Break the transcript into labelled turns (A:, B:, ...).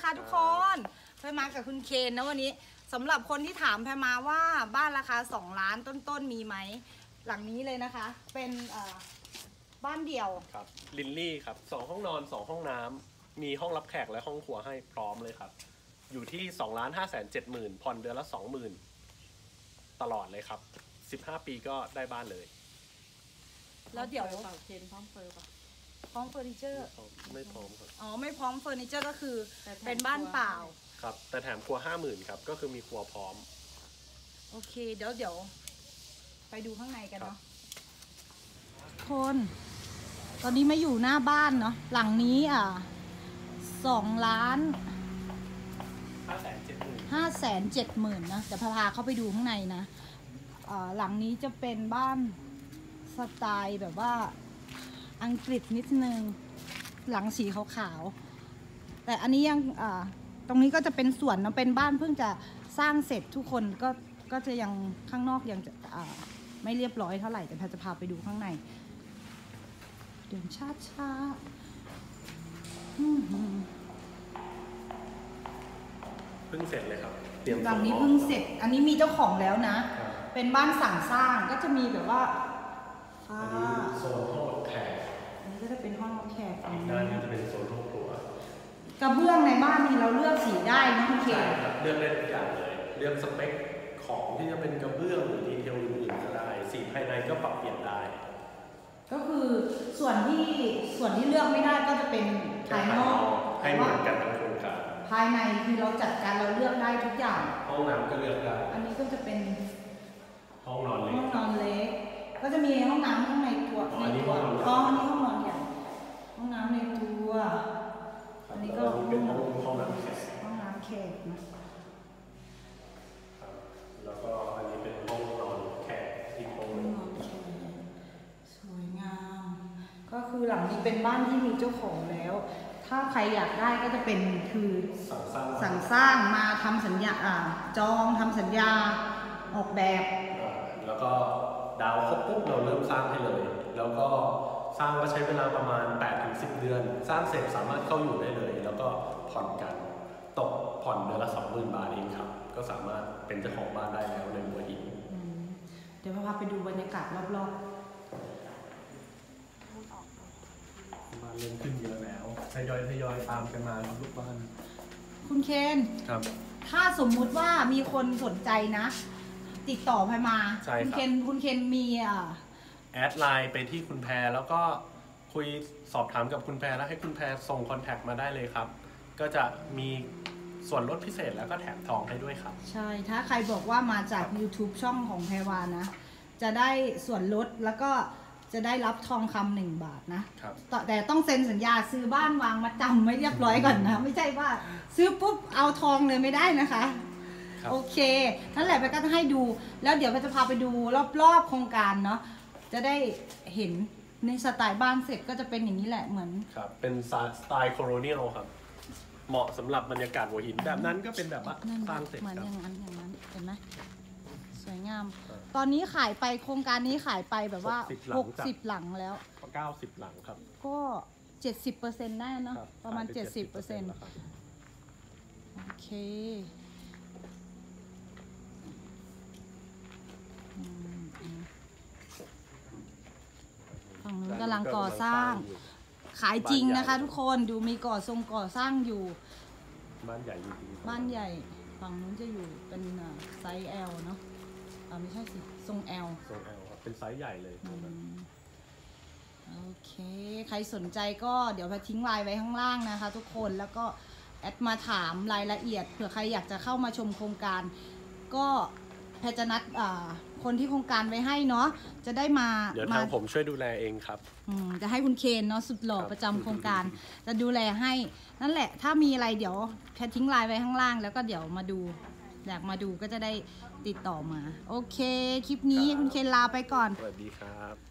A: นะคะทุกคนแพรมากับคุณเคนนะวันนี้สำหรับคนที่ถามแพรมาว่าบ้านราคา2 ล้านต้นๆมีไหมหลังนี้เลยนะคะเป็นบ้านเดี่ยว
B: ครับลินลี่ครับ2 ห้องนอน2 ห้องน้ำมีห้องรับแขกและห้องครัวให้พร้อมเลยครับอยู่ที่2,570,000ผ่อนเดือนละ 20,000ตลอดเลยครับ15 ปีก็ได้บ้านเลย
A: แล้วเดี๋ยว
C: เป่าเคนพร้อมเฟอร์ป่ะ
A: พร้อมเฟอร์นิเจอร์
B: ไม่พร้อมครับ
A: อ๋อไม่พร้อมเฟอร์นิเจอร์ก็คือเป็นบ้านเปล่า
B: ครับแต่แถมครัว 50,000ครับก็คือมีครัวพร้อม
A: โอเคเดี๋ยวไปดูข้างในกันเนาะคนตอนนี้มาอยู่หน้าบ้านเนาะหลังนี้2,570,000นะเดี๋ยวพาเข้าไปดูข้างในนะหลังนี้จะเป็นบ้านสไตล์แบบว่าอังกฤษนิดนึงหลังสีขาวๆแต่อันนี้ยังตรงนี้ก็จะเป็นสวนเนาะเป็นบ้านเพิ่งจะสร้างเสร็จทุกคนก็จะยังข้างนอกยังจะไม่เรียบร้อยเท่าไหร่แต่พาจะพาไปดูข้างในเดินช้า
B: เพิ่งเสร็จเลยครับ
A: หลังนี้เพิ่งเสร็จอันนี้มีเจ้าของแล้วนะเป็นบ้านสั่งสร้างก็จะมีแบบว่า
B: อันนี้โซนห้องรับแขก
A: อันนี้ก็จะเป็นห้องรับแขก
B: อีกด้านนี้จะเป็นโซนห้องครัว
A: กระเบื้องในบ้านนี้เราเลือกสีได้นะคุณเค
B: เลือกได้ทุกอย่างเลยเลือกสเปคของที่จะเป็นกระเบื้องหรือดีเทลอื่นๆก็ได้สีภายในก็ปรับเปลี่ยนได้
A: ก็คือส่วนที่เลือกไม่ได้ก็จะเป็นภายนอก
B: ให้เหมือนกันทั้งโครงการ
A: ภายในคือเราจัดการเราเลือกได้ทุกอย่าง
B: ห้องน้ำก็เลือกได้
A: อันนี้ก็จะเป็น
B: ห้องนอนเล็
A: กก็จะมีห้องน้ำข้างในตัว
B: อันนี้ห้อง
A: นอนใหญ่ห้องน้ำในตัวอันนี้ก็
B: เป็นห้องน้ำแขก
A: นะ
B: แล้วก็อันนี้เป็นห้องนอนแขกอีกห้องนึง
A: สวยงามก็คือหลังนี้เป็นบ้านที่มีเจ้าของแล้วถ้าใครอยากได้ก็จะเป็นคือสั่งสร้างมาทำสัญญาจองทำสัญญาออกแบบ
B: แล้วก็ดาวครบปุ๊บเราเริ่มสร้างให้เลยแล้วก็สร้างก็ใช้เวลาประมาณ 8-10 เดือนสร้างเสร็จสามารถเข้าอยู่ได้เลยแล้วก็ผ่อนกันตกผ่อนเดือนละ 20,000 บาทเองครับก็สามารถเป็นเจ้าของบ้านได้แล้วในหัวหิน
A: เดี๋ยวพาไปดูบรรยากาศรอบๆ
B: บ้านเริ่มขึ้นเยอะแล้วทยอยตามกันมาลูกบ้าน
A: คุณเคน
B: ครับ
A: ถ้าสมมุติว่ามีคนสนใจนะติดต่อไปมาคุณเคนมี
B: แอดไลน์ไปที่คุณแพรแล้วก็คุยสอบถามกับคุณแพรแล้วให้คุณแพรส่งคอนแทคมาได้เลยครับก็จะมีส่วนลดพิเศษแล้วก็แถมทองให้ด้วยครับ
A: ใช่ถ้าใครบอกว่ามาจาก YouTube ช่องของแพรวานะจะได้ส่วนลดแล้วก็จะได้รับทองคำ1 บาทนะครับแต่ต้องเซ็นสัญญาซื้อบ้านวางมาจำไว้เรียบร้อยก่อนนะไม่ใช่ว่าซื้อปุ๊บเอาทองเลยไม่ได้นะคะโอเคนั่นแหละไปก็จะให้ดูแล้วเดี๋ยวก็จะพาไปดูรอบๆโครงการเนาะจะได้เห็นในสไตล์บ้านเสร็จก็จะเป็นอย่างนี้แหละเหมือน
B: ครับเป็นสไตล์โคโลเนียลครับเหมาะสำหรับบรรยากาศหัวหินแบบนั้นก็เป็นแบบว่าสร้างเสร็จ
A: เหมือนอย่างนั้นเห็นไหมสวยงามตอนนี้ขายไปโครงการนี้ขายไปแบบว่า60 หลังแล้ว
B: 90 หลังครับ
A: ก็70%ได้เนาะประมาณ70%โอเคฝั่งนู้นกำลังก่อสร้างขายจริงนะคะทุกคนดูมีก่อสร้างอยู่
B: บ้านใหญ่จริง
A: บ้านใหญ่ฝั่งนู้นจะอยู่เป็นไซส์ L เนาะไม่ใช่สิทรง L
B: ครับเป็นไซส์ใหญ่เลย
A: โอเคใครสนใจก็เดี๋ยวทิ้งไลน์ไว้ข้างล่างนะคะทุกคนแล้วก็แอดมาถามรายละเอียดเผื่อใครอยากจะเข้ามาชมโครงการก็แพทย์จะนัดคนที่โครงการไว้ให้เนาะจะได้มา
B: เดี๋ยวทางผมช่วยดูแลเองครับ
A: จะให้คุณเคนเนาะสุดหล่อประจำโครงการจะดูแลให้นั่นแหละถ้ามีอะไรเดี๋ยวแพทย์ทิ้งไลน์ไว้ข้างล่างแล้วก็เดี๋ยวมาดูอยากมาดูก็จะได้ติดต่อมาโอเคคลิปนี้คุณเคนลาไปก่อน
B: สวัสดีครับ